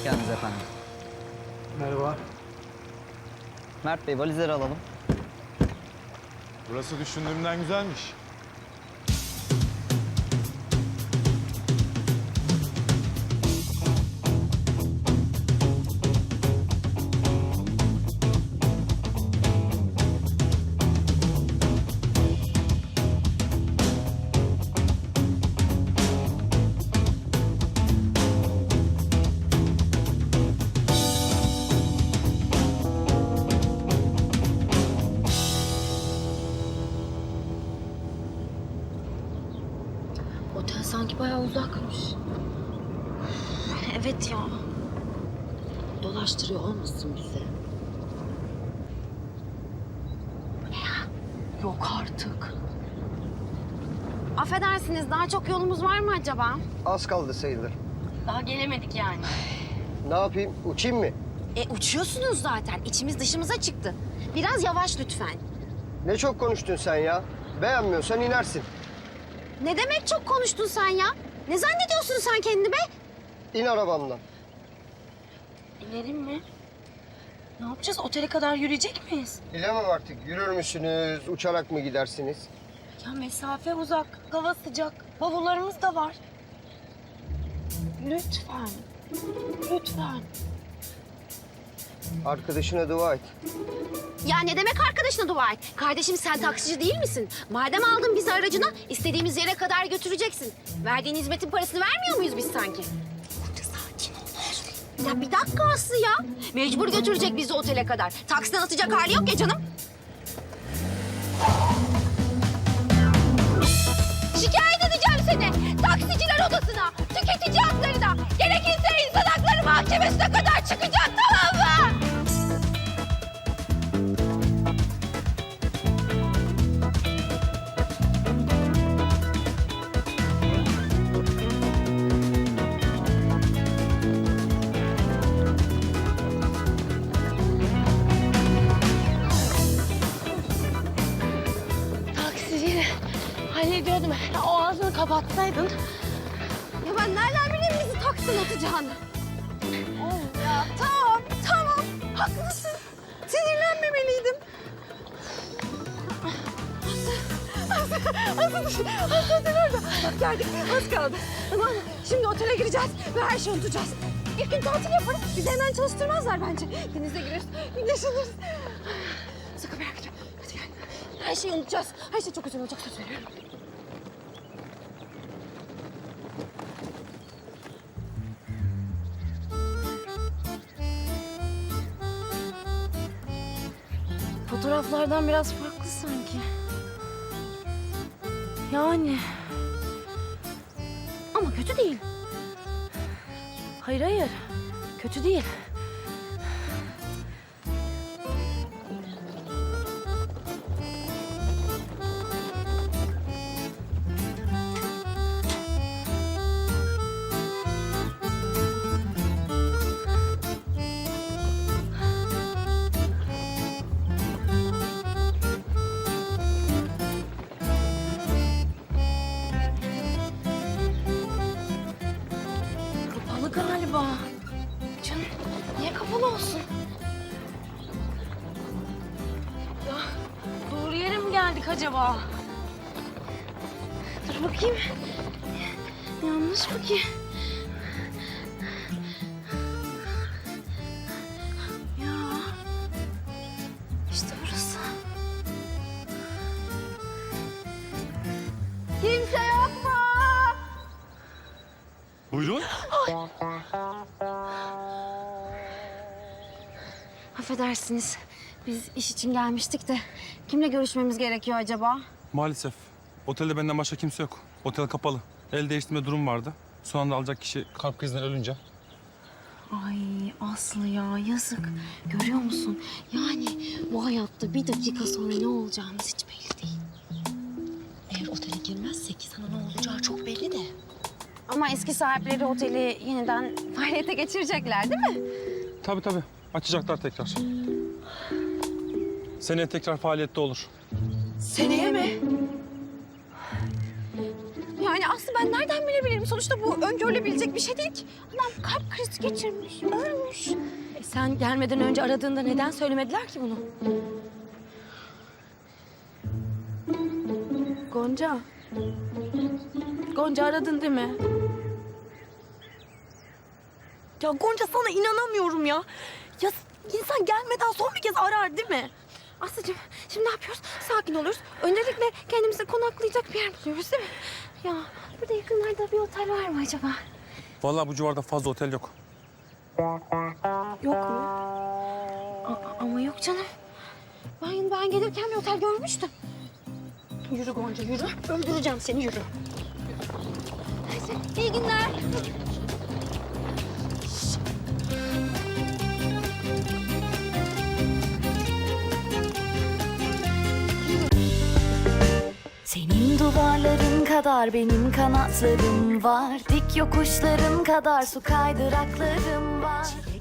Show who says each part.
Speaker 1: geldiniz efendim.
Speaker 2: Merhaba.
Speaker 1: Mert Bey, valizleri alalım.
Speaker 3: Burası düşündüğümden güzelmiş.
Speaker 4: Otel sanki bayağı uzakmış. Evet ya. Dolaştırıyor olmasın bizi? Bu ne ya? Yok artık.
Speaker 5: Affedersiniz, daha çok yolumuz var mı acaba?
Speaker 6: Az kaldı sayılır.
Speaker 4: Daha gelemedik yani.
Speaker 6: Ne yapayım? Uçayım mı?
Speaker 5: Uçuyorsunuz zaten. İçimiz dışımıza çıktı. Biraz yavaş lütfen.
Speaker 6: Ne çok konuştun sen ya. Beğenmiyorsan inersin.
Speaker 5: Ne demek çok konuştun sen ya? Ne zannediyorsun sen kendini be?
Speaker 6: İn arabamdan.
Speaker 4: İnelim mi? Ne yapacağız? Otele kadar yürüyecek miyiz?
Speaker 6: Bilemem artık. Yürür müsünüz? Uçarak mı gidersiniz?
Speaker 4: Ya mesafe uzak, hava sıcak. Bavullarımız da var. Lütfen. Lütfen.
Speaker 6: Arkadaşına dua et.
Speaker 5: Ya ne demek arkadaşına dua et? Kardeşim sen taksici değil misin? Madem aldın bizi aracına, istediğimiz yere kadar götüreceksin. Verdiğin hizmetin parasını vermiyor muyuz biz sanki?
Speaker 4: Sakin ol.
Speaker 5: Ya bir dakika Aslı ya. Mecbur götürecek bizi otele kadar. Taksiden atacak hali yok ya canım. Şikayet edeceğim seni. Taksiciler odasına, tüketici haklarına, gerekirse insan hakları mahkemesine kadar çıkacak, tamam mı?
Speaker 4: Taksiciyi hallediyordum. O ağzını kapatsaydın.
Speaker 5: Ya ben nereden bileyim bizi taksiden atacağını? Oğlum ya tamam haklısın. Sinirlenmemeliydim. Aslı otel orada. Bak geldik az kaldı. Tamam mı? Şimdi otele gireceğiz ve her şeyi unutacağız. İlk gün tatil yaparız. Bizi hemen çalıştırmazlar bence. Denize gireriz, güneşleniriz. Sakın merak etme. Hadi gel. Her şeyi unutacağız. Her şey çok güzel olacak, söz veriyorum.
Speaker 4: Fotoğraflardan biraz farklı sanki. Yani.
Speaker 5: Ama kötü değil.
Speaker 4: Hayır. Kötü değil. Kapalı galiba. Canım niye kapalı olsun? Ya doğru yere mi geldik acaba? Dur bakayım. Yanlış mı ki? Ya işte burası.
Speaker 5: Kimse yok mu?
Speaker 3: Buyurun.
Speaker 5: Affedersiniz. Biz iş için gelmiştik de kimle görüşmemiz gerekiyor acaba?
Speaker 7: Maalesef. Otelde benden başka kimse yok. Otel kapalı. El değiştirme durum vardı. Son anda alacak kişi kalp krizinden ölünce.
Speaker 5: Ay Aslı ya yazık. Görüyor musun? Yani bu hayatta bir dakika sonra ne olacağımız hiç belli değil.
Speaker 4: Eğer otele girmezsek sana ne olacağı çok belli de.
Speaker 5: Ama eski sahipleri oteli yeniden faaliyete geçirecekler değil mi?
Speaker 7: Tabii. Açacaklar tekrar. Seneye tekrar faaliyette olur.
Speaker 4: Seneye mi?
Speaker 5: Yani Aslı ben nereden bilebilirim? Sonuçta bu öngörülebilecek bir şey değil ki. Adam kalp krizi geçirmiş, ölmüş.
Speaker 4: Sen gelmeden önce aradığında neden söylemediler ki bunu? Gonca. Gonca aradın değil mi? Ya Gonca sana inanamıyorum ya. Ya insan gelmeden son bir kez arar değil mi?
Speaker 5: Aslıcığım şimdi ne yapıyoruz? Sakin oluyoruz. Öncelikle kendimize konaklayacak bir yer buluyoruz değil mi? Ya burada yakınlarda bir otel var mı acaba?
Speaker 7: Vallahi bu civarda fazla otel yok.
Speaker 5: Yok mu? Ama yok canım. Ben gelirken bir otel görmüştüm.
Speaker 4: Yürü Gonca yürü. Öldüreceğim seni yürü.
Speaker 5: Neyse, iyi günler.
Speaker 3: Senin duvarların kadar benim kanatlarım var. Dik yokuşların kadar su kaydıraklarım var.